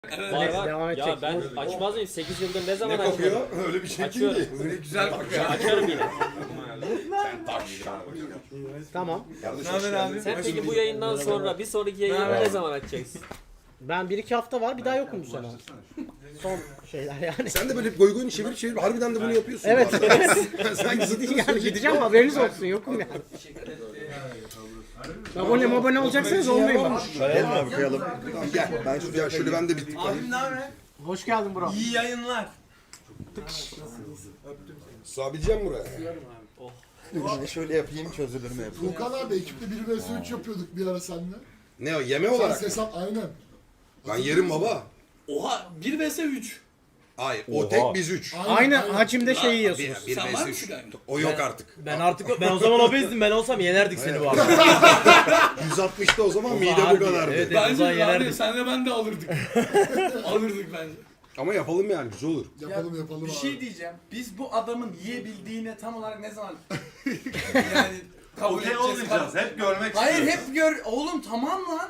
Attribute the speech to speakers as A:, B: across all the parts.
A: Var.
B: Devam
A: Ya
B: edecek.
A: ben açmaz mıyım? 8 yıldır ne zaman
C: Ne
A: açıyorum?
C: kokuyor? Öyle bir şey
A: Açıyorum.
C: değil. Öyle güzel kokuyor.
A: Açarım yine.
C: Sen taş.
B: Tamam.
C: Yanlış
D: Ne haber abi?
A: Sen peki bu yayından sonra bir sonraki yayını ne zaman açacaksın?
B: Ben 1-2 hafta var, bir daha yokum bu sene. Son şeyler yani.
C: Sen de böyle goygoyunu çevir harbiden de bunu yapıyorsun.
B: Evet.
C: Sen gidin
B: Yani gideceğim, haberiniz olsun, yokum yani. Abone olacaksanız olmayın bana.
E: Kayalım abi kayalım.
C: Tamam gel. Ben şöyle ben de bir
D: Abim ne haber?
B: Hoş geldin bro.
D: İyi yayınlar.
C: sığabileceğim buraya.
E: Ben şöyle yapayım çözülür mü yapayım.
F: Furkan abi ekipte 1 vs 3 yapıyorduk bir ara seninle.
C: Ne o yeme
F: Sen
C: olarak?
F: sesap aynen.
C: Ben yerim baba.
D: Oha 1 vs 3.
C: Hayır o tek biz 3.
B: Aynı hacimde şey yiyorsunuz.
C: Bir
D: Sen var
C: vs
D: mısın
C: 3.
D: galiba?
C: O yok artık.
G: Ben o zaman obezdim. Ben olsam yenerdik seni bu arada.
C: 160'ta o zaman mide bu
G: harbi,
C: kadardı.
G: evet.
D: Bence
G: zaman
D: abi
G: yenerdik.
D: senle ben de alırdık. alırdık bence.
C: Ama yapalım yani güzel olur.
F: Yapalım
H: Bir
F: abi.
H: şey diyeceğim. Biz bu adamın yiyebildiğine tam olarak ne zaman yani kabul
I: Okey
H: edeceğiz?
I: olmayacağız. Hep görmek
H: Hayır
I: istiyoruz.
H: hep gör. Oğlum tamam lan.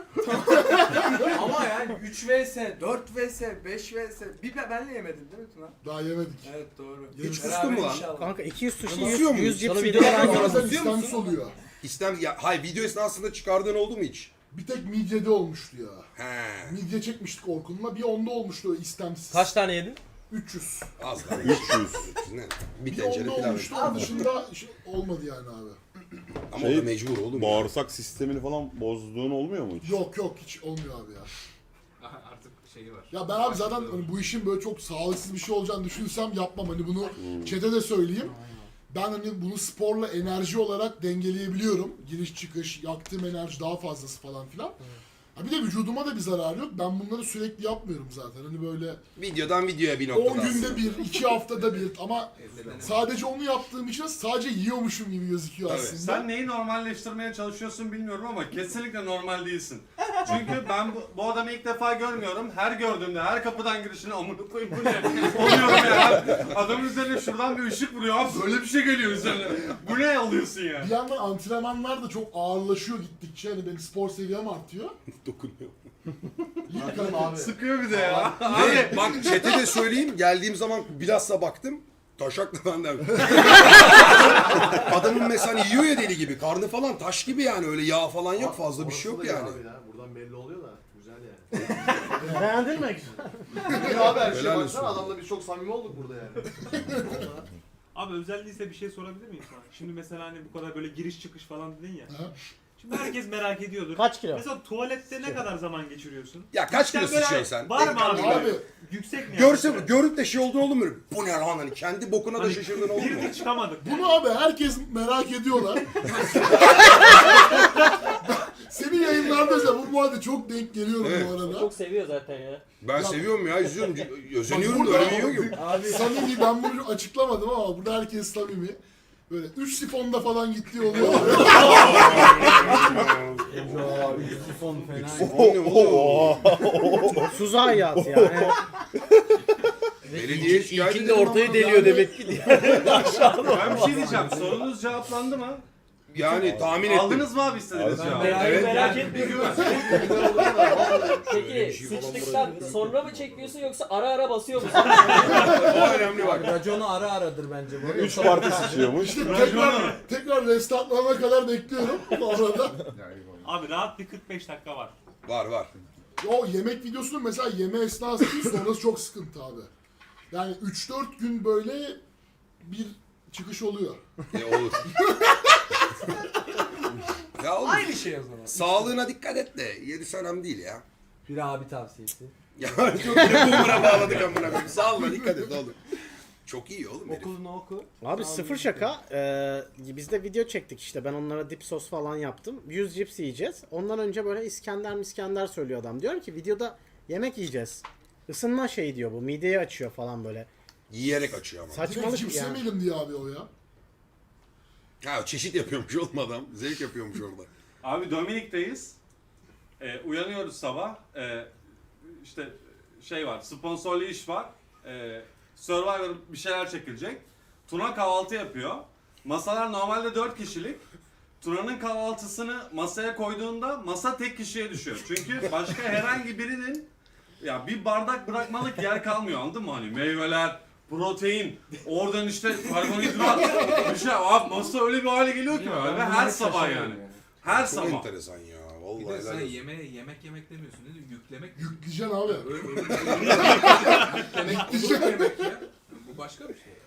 H: Ama yani 3 vs, 4 vs, 5 vs. Bir benle yemedin değil mi Tuna?
F: Daha yemedik.
H: Evet doğru.
C: Hiç
H: Beraber
C: kustun mu lan?
H: inşallah.
B: Kanka 200 sushi,
C: Kusuyor
B: 100
C: muyuz?
B: cips
G: Sana
B: videolar
G: videolar
B: var.
F: Bazen
H: kusuyor
F: istemsiz
H: musun?
F: oluyor.
C: Hayır video esnasında çıkardığın oldu mu hiç?
F: Bir tek midyede olmuştu ya.
C: He.
F: Midye çekmiştik Orkun'la. Bir onda olmuştu istemsiz.
G: Kaç tane yedin?
F: 300.
C: Az lan. 300. Ne? Bir
F: Bir
C: tencere
F: onda
C: pilav.
F: olmuştu. Onun dışında olmadı yani abi.
C: Ama o da mecbur oğlum. ya.
E: Bağırsak sistemini falan bozduğun olmuyor mu hiç?
F: Yok hiç olmuyor abi ya.
I: Artık şeyi var.
F: Ya ben abi zaten hani bu işin böyle çok sağlıksız bir şey olacağını düşünsem yapmam. Hani bunu chat'e de söyleyeyim. Ben hani bunu sporla enerji olarak dengeleyebiliyorum. Giriş çıkış, yaktığım enerji daha fazlası falan filan. Ha bir de vücuduma da bir zararı yok. Ben bunları sürekli yapmıyorum zaten. Hani böyle
C: Videodan videoya bir
F: 10
C: noktada
F: günde
C: aslında.
F: bir, 2 haftada bir ama sadece onu yaptığım için sadece yiyormuşum gibi gözüküyor
C: Tabii.
F: aslında.
I: Sen neyi normalleştirmeye çalışıyorsun bilmiyorum ama kesinlikle normal değilsin. Çünkü ben bu adamı ilk defa görmüyorum. Her gördüğümde, her kapıdan girişine amına koyayım bu ne? Oluyorum ya. Adamın üzerine şuradan bir ışık vuruyor. Abi böyle bir şey geliyor üzerine. Bu ne alıyorsun ya?
F: Bir yandan antrenmanlar da çok ağırlaşıyor gittikçe. Hani benim spor seviyem artıyor.
C: Dokunuyor.
F: İyi kanka.
I: Sıkıyor bir de ya.
C: Ve bak chat'e de söyleyeyim geldiğim zaman bilhassa baktım. Taşakla benden. Adamın mesela hani yiyor ya deli gibi. Karnı falan taş gibi yani öyle yağ falan yok fazla bir şey yok yani.
J: Buradan belli oluyor da güzel yani.
B: Beğendin mi?
J: Ya abi her
C: Helal
J: şeye
C: olsun.
J: baksana adamla biz çok samimi olduk burada yani.
K: Abi özel değilse bir şey sorabilir miyim sana? Şimdi mesela hani bu kadar böyle giriş çıkış falan dedin ya.
F: Ha.
K: Şimdi herkes merak ediyordur.
B: Kaç kilo?
K: Mesela tuvalette ne kadar zaman geçiriyorsun?
C: Ya kaç kilo
K: Cidden böyle
C: sıçıyorsun sen?
K: Var mı abi?
F: Abi
K: Yüksek mi?
C: Görüp de şey olduğunu olur mu? Bu ne lan hani kendi bokuna da
K: Hani
C: şaşırdın olur mu?
K: Girdik çıkamadık.
F: bunu abi herkes merak ediyorlar. Senin yayınlarda mesela bu muhabbete çok denk geliyorum
C: Evet.
F: bu arada.
A: Çok seviyor zaten ya.
C: Ben seviyorum ya izliyorum. Özeniyorum da
F: Burada
C: öyle yiyor ki.
F: Abi samimi ben bunu açıklamadım ama burada herkes samimi. Böyle 3 sifonda falan gittiği oluyor.
B: Suz hayat yani.
C: Belediye şikayet
G: İlkinde
C: edelim
G: ortayı
C: ama
G: deliyor
C: yani-
G: demek ki.
I: Ben bir şey diyeceğim. Sorunuz cevaplandı mı?
C: Yani tahmin ettim.
I: Aldınız mı abi istediğiniz
E: Aldım.
I: cevabı?
C: Evet.
A: Merak etmiyorum. Peki sıçtıktan sonra mı çekiyorsun yoksa ara ara basıyor musun?
C: O önemli bak.
H: Raconu ara aradır bence bu.
E: 3 parti sıçıyormuş.
F: İşte tekrar restartlanana kadar bekliyorum bu arada.
K: Abi rahat bir 45 dakika var.
C: Var.
F: O yemek videosunun mesela yeme esnası değil sonrası çok sıkıntı abi. Yani 3-4 gün böyle bir çıkış oluyor.
C: Olur. Ya oğlum,
H: Aynı şey o zaman.
C: sağlığına dikkat et de yedi önemli değil ya.
H: Bir abi tavsiyesi.
C: Ya çok bile boomer'a bağladık amına koyayım. Sağlığına dikkat et oğlum. Çok iyi oğlum herif.
H: Okulunu oku.
B: Abi sıfır şaka. Biz de video çektik işte. Ben onlara dip sos falan yaptım. 100 cips yiyeceğiz. Ondan önce böyle İskender söylüyor adam. Diyorum ki videoda yemek yiyeceğiz. Isınma şeyi diyor bu. Mideyi açıyor falan böyle.
C: Yiyerek açıyor ama.
F: Direkt
B: Saçmalık
F: cips
B: yani.
F: yemeyelim diye abi o ya.
C: Ha çeşit yapıyormuş oğlum adam. Zevk yapıyormuş orada.
I: Abi Dominik'teyiz. Uyanıyoruz sabah. İşte şey var, sponsorlu iş var. Survivor bir şeyler çekilecek. Tuna kahvaltı yapıyor. Masalar normalde 4 kişilik. Tuna'nın kahvaltısını masaya koyduğunda masa tek kişiye düşüyor. Çünkü başka herhangi birinin ya bir bardak bırakmalık yer kalmıyor, anladın mı? Hani meyveler, protein, oradan işte karbonhidrat, bir şey. Abi masa öyle bir hale geliyor ki böyle her sabah yani. Her
C: Çok
I: sabah.
C: enteresan ya.
H: Bir
C: Vallahi
H: de sen
C: helal olsun.
H: yemek demiyorsun. Ne diyor? Yüklemek.
F: Yükleyeceksin abi.
H: Yemek ya. Bu başka bir şey.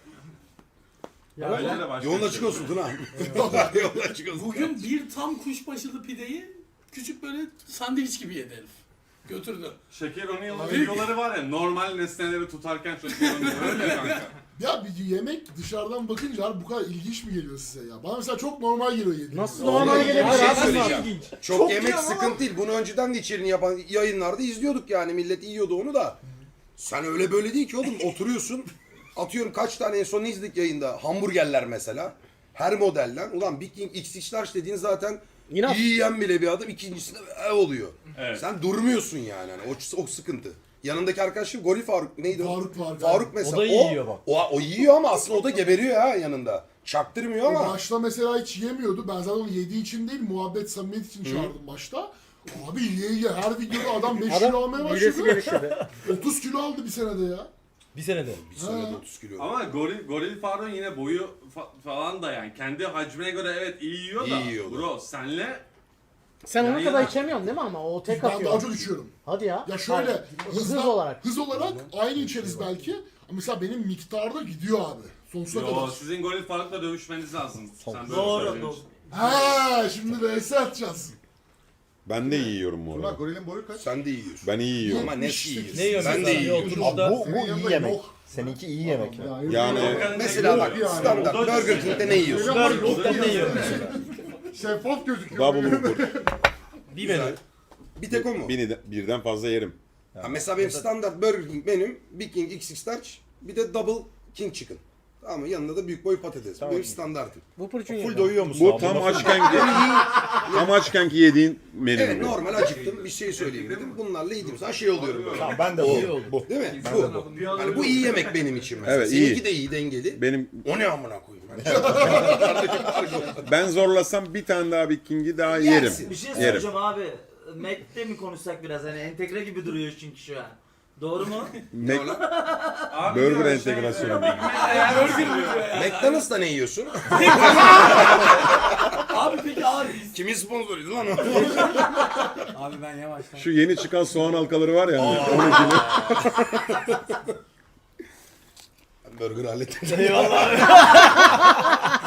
I: Bence de başka
C: Yolun
I: bir
C: açık
I: şey.
C: olsun Tuna. Yolun açık olsun.
D: Bugün bir tam kuşbaşılı pideyi küçük böyle sandviç gibi yedi herif. Götürdü.
I: Şeker O'Neill'ın videoları var ya, normal nesneleri tutarken Şeker O'Neil öyle kanka.
F: Ya bir yemek dışarıdan bakınca abi bu kadar ilginç mi geliyor size ya? Bana mesela çok normal geliyor yediğim.
B: Nasıl
C: Vallahi
B: normal
C: bir
B: gelebilir
C: şey
B: abi?
C: söyleyeceğim. Çok,
F: Çok
C: yemek
F: iyi ama-
C: sıkıntı değil. Bunu önceden de içeriğini yapan yayınlarda izliyorduk yani. Millet yiyordu onu da. Sen öyle böyle değil ki oğlum. Oturuyorsun. Atıyorum kaç tane en son izledik yayında. Hamburgerler mesela. Her modelden. Ulan Big King XX Large dediğin zaten
B: İnat.
C: iyi yiyen bile bir adam. İkincisinde oluyor.
I: Evet.
C: Sen durmuyorsun yani. Hani o sıkıntı. Yanındaki arkadaşım Goril Faruk neydi o?
F: Faruk.
C: Faruk mesela.
G: O da iyi yiyor bak.
C: O yiyor ama aslında o da geberiyor ha yanında. Çaktırmıyor
F: O
C: ama.
F: başta mesela hiç yemiyordu. Ben zaten onu yediği için değil, muhabbet, samimiyet için çağırdım başta. Abi ye her videoda adam 5 kilo almaya
B: Midesi
F: başladı.
B: genişledi.
F: 30 kilo aldı bir senede ya.
G: Bir senede.
C: Bir senede 30 kilo.
I: Ama Goril Faruk'un yine boyu falan da yani kendi hacmine göre evet iyi yiyor da.
C: İyi yiyor da.
I: Bro senle
B: Sen onu
I: Ya
B: kadar
I: ya.
B: içemiyorsun değil mi ama? O tek
F: Ben
B: atıyor.
F: daha çok içiyorum.
B: Hadi ya.
F: Ya şöyle
B: Hayır. Hız olarak.
F: Hız olarak aynı içeriz belki. Ama mesela benim miktarda gidiyor abi. Sonsuza
I: yo,
F: kadar.
I: sizin Goril Faruk'la dövüşmeniz lazım. Sen böyle
A: Doğru.
I: söylediğin
A: Doğru.
I: için.
F: Ha, şimdi vs atacağız.
L: Ben de iyi yiyorum bu
J: Tuna
L: arada.
J: gorilin boyu kaç?
C: Sen de yiyorsun.
L: Ben iyi yiyorum.
C: Ama ne yiyorsun?
G: Ne yiyorsun
C: Ben de
G: mesela?
C: yiyorum.
G: Oturuşta.
E: Bu
J: Senin yanında
E: iyi yemek.
J: yok.
E: Seninki iyi yemek.
L: Yani
C: Mesela bak standart Burger King'de ne yiyorsun?
G: Burger'den ne yiyorum?
J: Şeffaf gözüküyor.
L: double whopper.
G: Bir menü.
C: Bir tek o mu?
L: Birden fazla yerim.
C: Ha, mesela benim standart Burger King menüm Big King XX Large bir de Double King Chicken. Ama yanında da büyük boy patates. Bu benim standartım.
B: Whopper için
E: Full
B: yedim.
E: doyuyor musun?
L: Bu
E: abi?
L: tam açkenki yediğin menü.
C: Evet normal acıktım bir şey söyleyeyim dedim. Bunlarla yediğim zaman şey oluyorum böyle.
E: Tamam, ben de bu.
C: Değil mi? Bu. Hani bu iyi yemek benim için mesela.
L: Evet, iyi.
C: Seninki de iyi dengeli.
L: Benim
C: O ne amına koyayım?
L: ben zorlasam bir tane daha Big King'i daha yerim.
C: Yersin.
A: Bir şey
L: Yerim.
A: soracağım abi. Mac'te mi konuşsak biraz hani entegre gibi duruyor çünkü şu an. Doğru mu?
I: Abi
L: Burger
I: diyor,
L: entegrasyonu.
I: Big Mac eğer
C: McDonald's'ta ne yiyorsun?
D: Abi peki abi.
C: Kimin sponsoruydu lan o?
H: Abi ben yavaştan.
L: Şu yeni çıkan soğan halkaları var ya. Hani, onun gibi.
C: Burger hallettim.
G: Eyvallah.